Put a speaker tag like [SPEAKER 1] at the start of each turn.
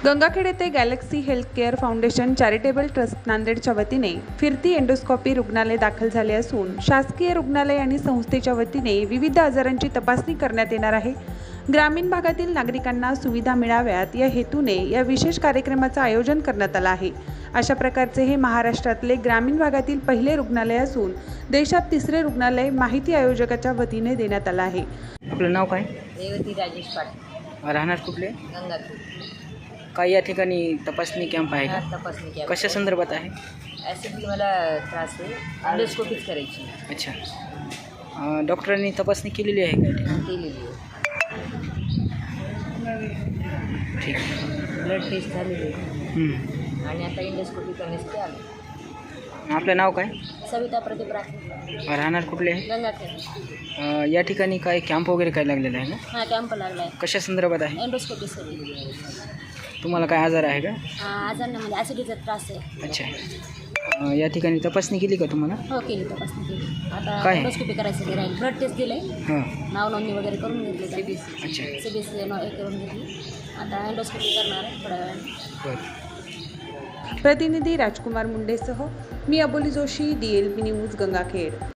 [SPEAKER 1] गंगाखेड येथे galaxy health care foundation charitable trust नांदेडच्या वतीने फिरती एंडोस्कोपी रुग्णालय दाखल झाले असून शासकीय रुग्णालय आणि संस्थेच्या वतीने विविध आजारांची तपासणी करण्यात येणार आहे। ग्रामीण भागातील नागरिकांना सुविधा मिळाव्यात या हेतूने या विशेष कार्यक्रमाचे आयोजन करण्यात आले आहे। अशा प्रकारचे हे महाराष्ट्रातले ग्रामीण भागातील पहिले रुग्णालय असून देशात तिसरे रुग्णालय माहिती आयोजकाच्या वतीने देण्यात आले आहे।
[SPEAKER 2] आपलं नाव काय?
[SPEAKER 3] रेवती राजेश पाटील,
[SPEAKER 2] राहणार कुठले?
[SPEAKER 3] गंगाखेड।
[SPEAKER 2] काय या ठिकाणी तपासणी कॅम्प आहे का?
[SPEAKER 3] तपासणी केली।
[SPEAKER 2] कशा संदर्भात आहे?
[SPEAKER 3] ॲसिडिटी मला त्रास आहे, एंडोस्कोपीच करायची
[SPEAKER 2] अच्छा, डॉक्टरांनी तपासणी केलेली आहे का?
[SPEAKER 3] केलेली आहे।
[SPEAKER 2] ठीक आहे।
[SPEAKER 3] ब्लड टेस्ट झालेली आहे आणि आता एंडोस्कोपी करण्यासाठी आलो।
[SPEAKER 2] आपलं नाव काय?
[SPEAKER 3] सविता प्रदीप राठोड,
[SPEAKER 2] राहणार कुठले आहे?
[SPEAKER 3] गंगाखेड।
[SPEAKER 2] या ठिकाणी काय कॅम्प वगैरे काय लागलेला आहे ना?
[SPEAKER 3] हां, कॅम्प लागला आहे,
[SPEAKER 2] कशा संदर्भात आहे?
[SPEAKER 3] एंडोस्कोपी सगळी।
[SPEAKER 2] तुम्हाला काय आजार आहे का?
[SPEAKER 3] आजारांना म्हणजे ॲसिडिटीचा त्रास आहे।
[SPEAKER 2] अच्छा, या ठिकाणी तपासणी केली का तुम्हाला?
[SPEAKER 3] हो, केली तपासणी केली। आता
[SPEAKER 2] काय?
[SPEAKER 3] एंडोस्कोपी करायचं राहील। ब्लड टेस्ट दिले,
[SPEAKER 2] हां,
[SPEAKER 3] नाव नोंदणी वगैरे करून घेतली,
[SPEAKER 2] अच्छा,
[SPEAKER 3] CBC करून घेतली। आता एंडोस्कोपी करणार आहे थोड्या वेळाने।
[SPEAKER 2] बरं।
[SPEAKER 1] प्रतिनिधी राजकुमार मुंडेसह मी अबोली जोशी, DLP न्यूज, गंगाखेड।